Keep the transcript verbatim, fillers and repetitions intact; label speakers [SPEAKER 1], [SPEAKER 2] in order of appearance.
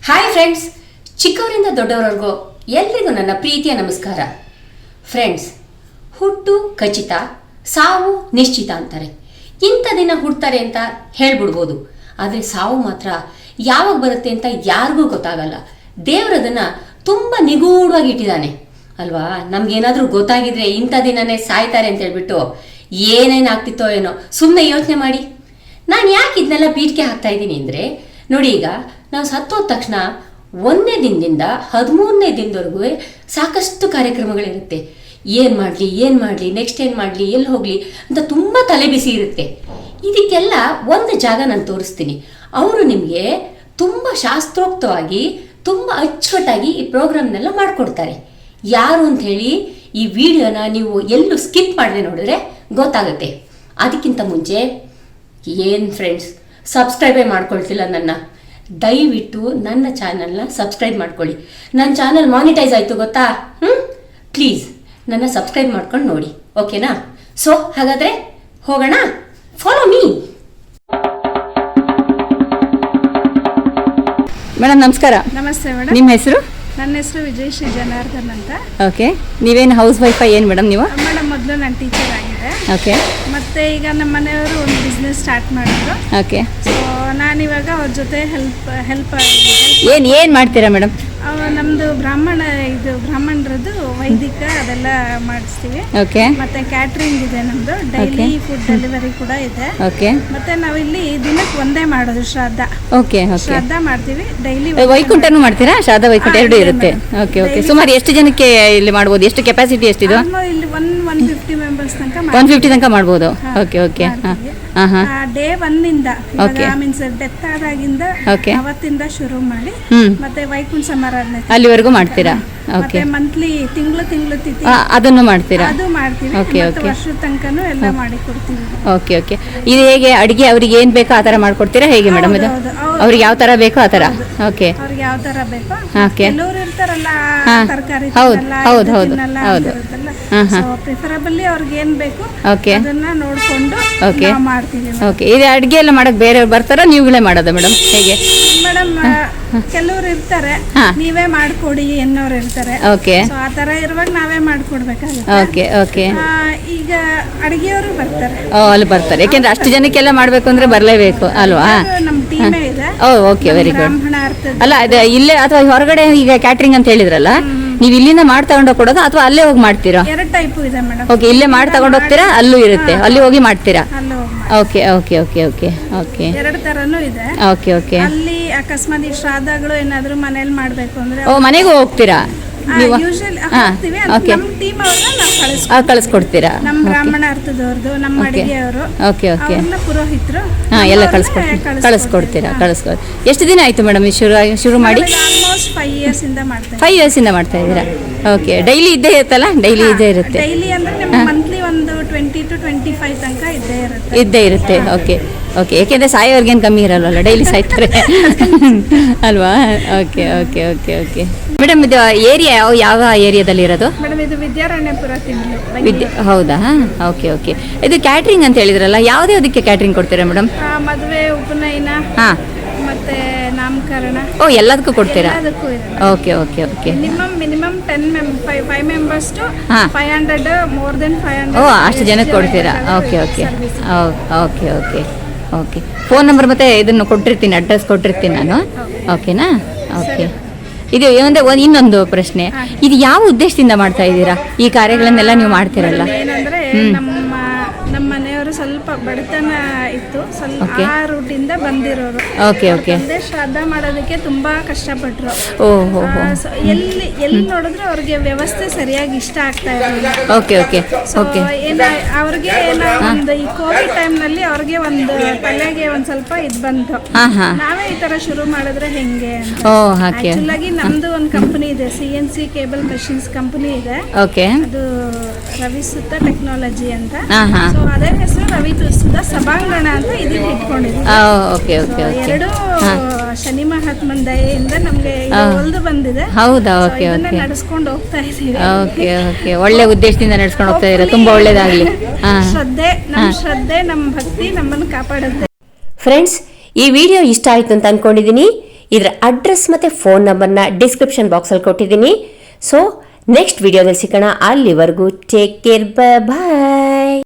[SPEAKER 1] Hi friends, ಚಿಕ್ಕವರಿಂದ ದೊಡ್ಡವರೆಗೂ ಎಲ್ರಿಗೂ ನನ್ನ ಪ್ರೀತಿಯ ನಮಸ್ಕಾರ. ಫ್ರೆಂಡ್ಸ್, ಹುಟ್ಟು ಖಚಿತ, ಸಾವು ನಿಶ್ಚಿತ ಅಂತಾರೆ. ಇಂಥ ದಿನ ಹುಡ್ತಾರೆ ಅಂತ ಹೇಳ್ಬಿಡ್ಬೋದು, ಆದರೆ ಸಾವು ಮಾತ್ರ ಯಾವಾಗ ಬರುತ್ತೆ ಅಂತ ಯಾರಿಗೂ ಗೊತ್ತಾಗಲ್ಲ. ದೇವರದನ್ನ ತುಂಬ ನಿಗೂಢವಾಗಿ ಇಟ್ಟಿದ್ದಾನೆ ಅಲ್ವಾ. ನಮ್ಗೇನಾದ್ರೂ ಗೊತ್ತಾಗಿದ್ರೆ ಇಂಥ ದಿನನೇ ಸಾಯ್ತಾರೆ ಅಂತ ಹೇಳ್ಬಿಟ್ಟು ಏನೇನಾಗ್ತಿತ್ತೋ ಏನೋ. ಸುಮ್ಮನೆ ಯೋಚನೆ ಮಾಡಿ. ನಾನು ಯಾಕೆ ಇದನ್ನೆಲ್ಲ ಪೀಠಿಕೆ ಹಾಕ್ತಾ ಇದ್ದೀನಿ ಅಂದರೆ, ನೋಡಿ, ಈಗ ನಾವು ಸತ್ತೋದ ತಕ್ಷಣ ಒಂದನೇ ದಿನದಿಂದ ಹದಿಮೂರನೇ ದಿನದವರೆಗೂ ಸಾಕಷ್ಟು ಕಾರ್ಯಕ್ರಮಗಳಿರುತ್ತೆ. ಏನು ಮಾಡಲಿ ಏನು ಮಾಡಲಿ ನೆಕ್ಸ್ಟ್ ಏನು ಮಾಡಲಿ ಎಲ್ಲಿ ಹೋಗಲಿ ಅಂತ ತುಂಬ ತಲೆ ಬಿಸಿ ಇರುತ್ತೆ. ಇದಕ್ಕೆಲ್ಲ ಒಂದು ಜಾಗ ನಾನು ತೋರಿಸ್ತೀನಿ. ಅವರು ನಿಮಗೆ ತುಂಬ ಶಾಸ್ತ್ರೋಕ್ತವಾಗಿ ತುಂಬ ಅಚ್ಚುಕಟ್ಟಾಗಿ ಈ ಪ್ರೋಗ್ರಾಮ್ನೆಲ್ಲ ಮಾಡಿಕೊಡ್ತಾರೆ. ಯಾರು ಅಂತ ಹೇಳಿ ಈ ವಿಡಿಯೋನ ನೀವು ಎಲ್ಲೂ ಸ್ಕಿಪ್ ಮಾಡದೆ ನೋಡಿದ್ರೆ ಗೊತ್ತಾಗುತ್ತೆ. ಅದಕ್ಕಿಂತ ಮುಂಚೆ ಏನು ಫ್ರೆಂಡ್ಸ್, ಸಬ್ಸ್ಕ್ರೈಬೇ ಮಾಡ್ಕೊಳ್ತಿಲ್ಲ ನನ್ನ, ದಯವಿಟ್ಟು ನನ್ನ ಚಾನಲ್ನ ಸಬ್ಸ್ಕ್ರೈಬ್ ಮಾಡ್ಕೊಳ್ಳಿ. ನನ್ನ ಚಾನಲ್ ಮಾನಿಟೈಸ್ ಆಯಿತು ಗೊತ್ತಾ? ಹ್ಞೂ ಪ್ಲೀಸ್ ನನ್ನ ಸಬ್ಸ್ಕ್ರೈಬ್ ಮಾಡ್ಕೊಂಡು ನೋಡಿ, ಓಕೆನಾ? ಸೊ ಹಾಗಾದರೆ ಹೋಗೋಣ, ಫಾಲೋ ಮೀ.
[SPEAKER 2] ಮೇಡಮ್ ನಮಸ್ಕಾರ.
[SPEAKER 3] ನಮಸ್ತೆ ಮೇಡಮ್.
[SPEAKER 2] ನಿಮ್ಮ ಹೆಸರು?
[SPEAKER 3] ನನ್ನ ಹೆಸರು ವಿಜಯಶ್ರೀ ಜನಾರ್ದನ್ ಅಂತ.
[SPEAKER 2] ಓಕೆ, ನೀವೇನು ಹೌಸ್ ವೈಫಾ ಏನು ಮೇಡಮ್ ನೀವು?
[SPEAKER 3] ಮೇಡಮ್ ಮೊದಲು ನಾನು ಟೀಚರ್ ಆಗಿದೆ.
[SPEAKER 2] ಓಕೆ.
[SPEAKER 3] ಮತ್ತೆ ಈಗ ನಮ್ಮ ಮನೆಯವರು ಒಂದು ಬಿಸ್ನೆಸ್ ಸ್ಟಾರ್ಟ್ ಮಾಡಿದ್ರು.
[SPEAKER 2] ಓಕೆ.
[SPEAKER 3] ಸೊ ನಾನಿವಾಗ ಅವ್ರ ಜೊತೆ ಹೆಲ್ಪ್ ಹೆಲ್ಪ್
[SPEAKER 2] ಏನು ಏನು ಮಾಡ್ತೀರಾ ಮೇಡಮ್?
[SPEAKER 3] ನಮ್ಮದು ಬ್ರಾಹ್ಮಣ ಇದು ಬ್ರಾಹ್ಮಣರದ್ದು ವೈದಿಕ ಅದೆಲ್ಲ ಮಾಡಿಸ್ತೀವಿ.
[SPEAKER 2] ಓಕೆ.
[SPEAKER 3] ಮತ್ತೆ ಕ್ಯಾಟ್ರಿಂಗ್ ಇದೆ ನಮ್ಮದು, ಡೈಲಿ ಫುಡ್ ಡೆಲಿವರಿ ಕೂಡ ಇದೆ.
[SPEAKER 2] ಓಕೆ.
[SPEAKER 3] ಮತ್ತೆ ನಾವಿಲ್ಲಿ ದಿನಕ್ಕೆ ಒಂದೇ ಮಾಡೋದು ಶ್ರಾದ್ದ.
[SPEAKER 2] Okay okay.
[SPEAKER 3] ಶ್ರಾದ್ದ ಮಾಡ್ತೀವಿ ಡೈಲಿ.
[SPEAKER 2] ವೈಕುಂಠನೂ ಮಾಡ್ತೀರಾ? ಶ್ರಾದ್ದ ವೈಕುಂಠ ಎರಡು ಇರುತ್ತೆ. ಓಕೆ ಓಕೆ. ಸುಮಾರು ಎಷ್ಟು ಜನಕ್ಕೆ ಇಲ್ಲಿ ಮಾಡ್ಬೋದು? ಎಷ್ಟು ಕೆಪಾಸಿಟಿ ಎಷ್ಟಿದು?
[SPEAKER 3] ಇಲ್ಲಿ ಒನ್ ಒನ್ ಫಿಫ್ಟಿ ಮೆಂಬರ್ಸ್ ತನಕ
[SPEAKER 2] ಒನ್ ಫಿಫ್ಟಿ ತನಕ ಮಾಡ್ಬೋದು. Okay okay. ಹಾಂ ಹಾಂ.
[SPEAKER 3] ಡೇ ಒನ್ನಿಂದ ಮೀನ್ಸ್ ಡೆತ್ ಆದಾಗಿಂದ ಅವತ್ತಿಂದ ಶುರು ಮಾಡಿ ಮತ್ತೆ ವೈಕುಂಠ ಸಮಾರಾಧನೆ
[SPEAKER 2] ಅಲ್ಲಿವರೆಗೂ ಮಾಡ್ತೀರಾ? ಓಕೆ.
[SPEAKER 3] ಮಂತ್ಲಿ ತಿಂಗಳು ತಿಂಗಳು ತಿಥಿ
[SPEAKER 2] ಅದನ್ನು ಮಾಡ್ತೀರಾ?
[SPEAKER 3] ಅದು ಮಾಡ್ತೀವಿ.
[SPEAKER 2] Okay okay.
[SPEAKER 3] ವರ್ಷದ ತನಕನೂ ಎಲ್ಲ ಮಾಡಿ ಕೊಡ್ತೀವಿ.
[SPEAKER 2] Okay okay. ಇದು ಹೇಗೆ ಅಡಿಗೆ ಅವ್ರಿಗೆ ಏನು ಬೇಕೋ ಆ ಥರ ಮಾಡ್ಕೊಡ್ತೀರಾ ಹೇಗೆ ಮೇಡಮ್? ಇದು ಅವ್ರಿಗೆ ಯಾವ ಥರ ಬೇಕೋ ಆ ಥರ? ಓಕೆ.
[SPEAKER 3] ಅವ್ರಿಗೆ ಯಾವ ಥರ ಬೇಕೋ.
[SPEAKER 2] ಓಕೆ.
[SPEAKER 3] ಕೆಲವರು ಇರ್ತಾರಲ್ಲ ತರಕಾರಿ
[SPEAKER 2] ಹೌದು ಹೌದು ಹೌದು ಹೌದು.
[SPEAKER 3] ಪ್ರಿಫರಬಲಿ ಅವ್ರಿಗೆ ಏನ್ ಬೇಕು
[SPEAKER 2] ಓಕೆ
[SPEAKER 3] ಅದನ್ನ ನೋಡ್ಕೊಂಡು
[SPEAKER 2] ಓಕೆ
[SPEAKER 3] ಮಾಡ್ತೀವಿ.
[SPEAKER 2] ಓಕೆ. ಇದು ಅಡುಗೆ ಎಲ್ಲ ಮಾಡಕ್ ಬೇರೆಯವ್ರು ಬರ್ತಾರಾ, ನೀವುಗಳೇ ಮಾಡೋದಾ ಮೇಡಮ್? ಹೇಗೆ
[SPEAKER 3] ಮೇಡಮ್, ಕೆಲವರು ಇರ್ತಾರೆ ನೀವೇ ಮಾಡ್ಕೊಡಿ ಎನ್ನೋರು ಇರ್ತಾರೆ.
[SPEAKER 2] ಓಕೆ.
[SPEAKER 3] ಸೊ ಆ ತರ ಇರುವಾಗ ನಾವೇ ಮಾಡ್ಕೊಡ್ಬೇಕಾಗುತ್ತೆ.
[SPEAKER 2] Okay okay.
[SPEAKER 3] ಈಗ ಅಡಿಗೆಯವರು ಬರ್ತಾರೆ.
[SPEAKER 2] ಓ, ಅಲ್ಲಿ ಬರ್ತಾರೆ. ಯಾಕೆಂದ್ರೆ ಅಷ್ಟು ಜನಕ್ಕೆಲ್ಲ ಮಾಡ್ಬೇಕು ಅಂದ್ರೆ ಬರಲೇಬೇಕು ಅಲ್ವಾ?
[SPEAKER 3] ನಮ್ಮ ಟೀಮೇ ಇದೆ.
[SPEAKER 2] ಓ ಓಕೆ, ವೆರಿ ಗುಡ್.
[SPEAKER 3] ಬ್ರಾಹ್ಮಣ ಅರ್ಥ
[SPEAKER 2] ಅಲ್ಲ, ಅದು ಇಲ್ಲೇ ಅಥವಾ ಹೊರಗಡೆ ಈಗ ಕ್ಯಾಟ್ರಿಂಗ್ ಅಂತ ಹೇಳಿದ್ರಲ್ಲ, ನೀವು ಇಲ್ಲಿಂದ ಮಾಡಿ ತಗೊಂಡು ಕೊಡೋದು ಅಥವಾ ಅಲ್ಲೇ ಹೋಗಿ ಮಾಡ್ತೀರಾ?
[SPEAKER 3] ಎರಡು ಟೈಪ್ ಇದೆ ಮೇಡಮ್.
[SPEAKER 2] ಓಕೆ, ಇಲ್ಲೇ ಮಾಡಿ ತಗೊಂಡು ಹೋಗ್ತೀರಾ? ಅಲ್ಲೂ ಇರುತ್ತೆ, ಅಲ್ಲಿ ಹೋಗಿ ಮಾಡ್ತೀರಾ?
[SPEAKER 3] Okay
[SPEAKER 2] okay okay okay okay.
[SPEAKER 3] ಎರಡು ತರನೂ ಇದೆ.
[SPEAKER 2] Okay okay.
[SPEAKER 3] ಅಲ್ಲಿ ಅಕಸ್ಮಾತ್ ಈ ಶ್ರಾದ್ದಗಳು ಏನಾದ್ರು ಮನೇಲಿ ಮಾಡ್ಬೇಕು ಅಂದ್ರೆ
[SPEAKER 2] ಓ, ಮನೆಗೂ ಹೋಗ್ತೀರಾ ನೀವು?
[SPEAKER 3] ಯೂಶುವಲಿ ಹೋಗ್ತೀವಿ. ನಮ್ಮ ಟೀಮ್ ಅವ್ರನ್ನ ನಾವು ಕಳಿಸ್ಕೊಡ್ತೀವಿ.
[SPEAKER 2] ಕಳಿಸ್ಕೊಡ್ತೀರಾ?
[SPEAKER 3] ನಮ್ಮ ಬ್ರಾಹ್ಮಣ ಅರ್ಥದವ್ರದ್ದು, ನಮ್ಮ ಅಡಿಗೆಯವರು,
[SPEAKER 2] ಓಕೆ ಓಕೆ,
[SPEAKER 3] ಪುರೋಹಿತರು
[SPEAKER 2] ಹಾಂ ಎಲ್ಲ ಕಳಿಸ್ಕೊಡ್ತೀರಾ? ಕಳಿಸ್ಕೊಡ್ತೀರಾ? ಕಳಿಸ್ಕೊಡ್. ಎಷ್ಟು ದಿನ ಆಯಿತು ಮೇಡಮ್ ಈ ಶುರು ಶುರು ಮಾಡಿ?
[SPEAKER 3] ಆಲ್ಮೋಸ್ಟ್ ಫೈವ್ ಇಯರ್ಸ್ ಇಂದ ಮಾಡ್ತಾ
[SPEAKER 2] ಫೈವ್ ಇಯರ್ಸ್ ಇಂದ ಮಾಡ್ತಾ ಇದ್ದೀರಾ? ಓಕೆ. ಡೈಲಿ ಇದ್ದೇ ಇರುತ್ತಲ್ಲ? ಡೈಲಿ ಇದ್ದೇ ಇರುತ್ತೆ.
[SPEAKER 3] ಡೈಲಿ ಅಂದ್ರೆ ನಿಮ್ಗೆ ಮಂತ್ಲಿ ಒಂದು ಟ್ವೆಂಟಿ ಟು ಟ್ವೆಂಟಿ ಫೈವ್ ತನಕ ಇದ್ದೇ ಇರುತ್ತೆ.
[SPEAKER 2] ಇದ್ದೇ ಇರುತ್ತೆ. Okay okay. ಯಾಕೆಂದರೆ ಸಾಯೋರ್ಗೇನು ಕಮ್ಮಿ ಇರಲ್ವಲ್ಲ, ಡೈಲಿ ಸಾಯ್ತಾರೆ ಅಲ್ವಾ? Okay okay okay okay. Madam, ಇದು ಏರಿಯಾ ಯಾವ ಯಾವ ಏರಿಯಾದಲ್ಲಿ ಇರೋದು?
[SPEAKER 3] ಮೇಡಮ್ ಇದು ವಿದ್ಯಾರಣ್ಯಪುರ ತಿಂಗಳು.
[SPEAKER 2] ವಿದ್ಯಾ ಹೌದಾ? Okay okay. ಇದು ಕ್ಯಾಟ್ರಿಂಗ್ ಅಂತ ಹೇಳಿದ್ರಲ್ಲ, ಯಾವುದೇ ಅದಕ್ಕೆ ಕ್ಯಾಟ್ರಿಂಗ್ ಕೊಡ್ತೀರಾ ಮೇಡಮ್?
[SPEAKER 3] ಮದುವೆ, ಉಪನಯನ,
[SPEAKER 2] ಹಾಂ,
[SPEAKER 3] ಮತ್ತೆ ನಾಮಕರಣ.
[SPEAKER 2] ಓ, ಎಲ್ಲದಕ್ಕೂ ಕೊಡ್ತೀರಾ? Okay okay okay.
[SPEAKER 3] Minimum minimum ten ಮೆಂ five five members to five hundred more than five hundred.
[SPEAKER 2] ಓ, ಅಷ್ಟು ಜನಕ್ಕೆ ಕೊಡ್ತೀರಾ? Okay okay okay okay okay. Phone number ಮತ್ತೆ ಇದನ್ನು ಕೊಟ್ಟಿರ್ತೀನಿ, ಅಡ್ರೆಸ್ ಕೊಟ್ಟಿರ್ತೀನಿ ನಾನು. ಓಕೆನಾ? ಓಕೆ. ಇದು ಏನಂದ್ರೆ ಒಂದು ಇನ್ನೊಂದು ಪ್ರಶ್ನೆ, ಇದು ಯಾವ ಉದ್ದೇಶದಿಂದ ಮಾಡ್ತಾ ಇದ್ದೀರಾ ಈ ಕಾರ್ಯಗಳನ್ನೆಲ್ಲ ನೀವು ಮಾಡ್ತೀರಲ್ಲ?
[SPEAKER 3] ಏನಂದ್ರೆ ನಮ್ಮ ನಮ್ಮ ಮನೆಯವರು ಸ್ವಲ್ಪ ಬಡತನ ಇತ್ತು, ಸ್ವಲ್ಪ ಆ ರೂಟಿಂದ ಬಂದಿರೋರು.
[SPEAKER 2] Okay okay.
[SPEAKER 3] ಶ್ರಾದ್ದ ಮಾಡೋದಕ್ಕೆ ತುಂಬಾ ಕಷ್ಟಪಟ್ರು.
[SPEAKER 2] ಓಹೋ.
[SPEAKER 3] ಎಲ್ಲಿ ಎಲ್ಲಿ ನೋಡಿದ್ರು ಅವ್ರಿಗೆ ವ್ಯವಸ್ಥೆ ಸರಿಯಾಗಿ ಇಷ್ಟ ಆಗ್ತಾ ಇರಲಿಲ್ಲ.
[SPEAKER 2] Okay okay okay.
[SPEAKER 3] ಏನ ಅವ್ರಿಗೆ ಏನ ಒಂದು ಈ ಕೋವಿಡ್ ಟೈಮ್ ನಲ್ಲಿ ಅವ್ರಿಗೆ ಒಂದು ತಲೆಗೆ ಒಂದ್ ಸ್ವಲ್ಪ ಇದ್ ಬಂತು, ನಾವೇ ಈ ತರ ಶುರು ಮಾಡಿದ್ರೆ ಹೆಂಗೆ. ಆಕ್ಚುಲಾಗಿ ನಮ್ದು ಒಂದು ಕಂಪನಿ ಇದೆ, C N C cable machines company ಇದೆ.
[SPEAKER 2] ಓಕೆ.
[SPEAKER 3] ಅದು ರವಿಸುತ್ತ ಟೆಕ್ನಾಲಜಿ ಅಂತ. ಸೊ ಅದೇ ಹೆಸರು ರವಿಸುತ್ತ ಸಭಾಂಗಣ ಅಂತ ಇದಕ್ಕೆ ಇಟ್ಕೊಂಡಿದ್ವಿ.
[SPEAKER 2] Okay okay okay.
[SPEAKER 3] ಎರಡು ಶನಿ ಮಹಾತ್ಮನ ದಯೆಯಿಂದ ನಮ್ಗೆ ಒಲ್ದು ಬಂದಿದೆ.
[SPEAKER 2] ಹೌದಾ? Okay okay.
[SPEAKER 3] ನಡೆಸ್ಕೊಂಡು ಹೋಗ್ತಾ ಇದೀವಿ.
[SPEAKER 2] Okay okay. ಒಳ್ಳೆ ಉದ್ದೇಶದಿಂದ ನಡೆಸ್ಕೊಂಡು ಹೋಗ್ತಾ ಇದ್ದೀರಾ, ತುಂಬಾ ಒಳ್ಳೇದಾಗ್ಲಿ.
[SPEAKER 3] ಶ್ರದ್ಧೆ, ನಮ್ಮ ಶ್ರದ್ಧೆ, ನಮ್ಮ ಭಕ್ತಿ ನಮ್ಮನ್ನು ಕಾಪಾಡುತ್ತೆ.
[SPEAKER 1] ಫ್ರೆಂಡ್ಸ್, ಈ ವಿಡಿಯೋ ಇಷ್ಟ ಆಯ್ತು ಅಂತ ಅನ್ಕೊಂಡಿದ್ದೀನಿ. ಇದರ ಅಡ್ರೆಸ್ ಮತ್ತು ಫೋನ್ ನಂಬರ್ನ ಡಿಸ್ಕ್ರಿಪ್ಷನ್ ಬಾಕ್ಸಲ್ಲಿ ಕೊಟ್ಟಿದ್ದೀನಿ. ಸೊ ನೆಕ್ಸ್ಟ್ ವಿಡಿಯೋದಲ್ಲಿ ಸಿಗೋಣ. ಅಲ್ಲಿವರೆಗೂ ಟೇಕ್ ಕೇರ್, ಬಾಯ್.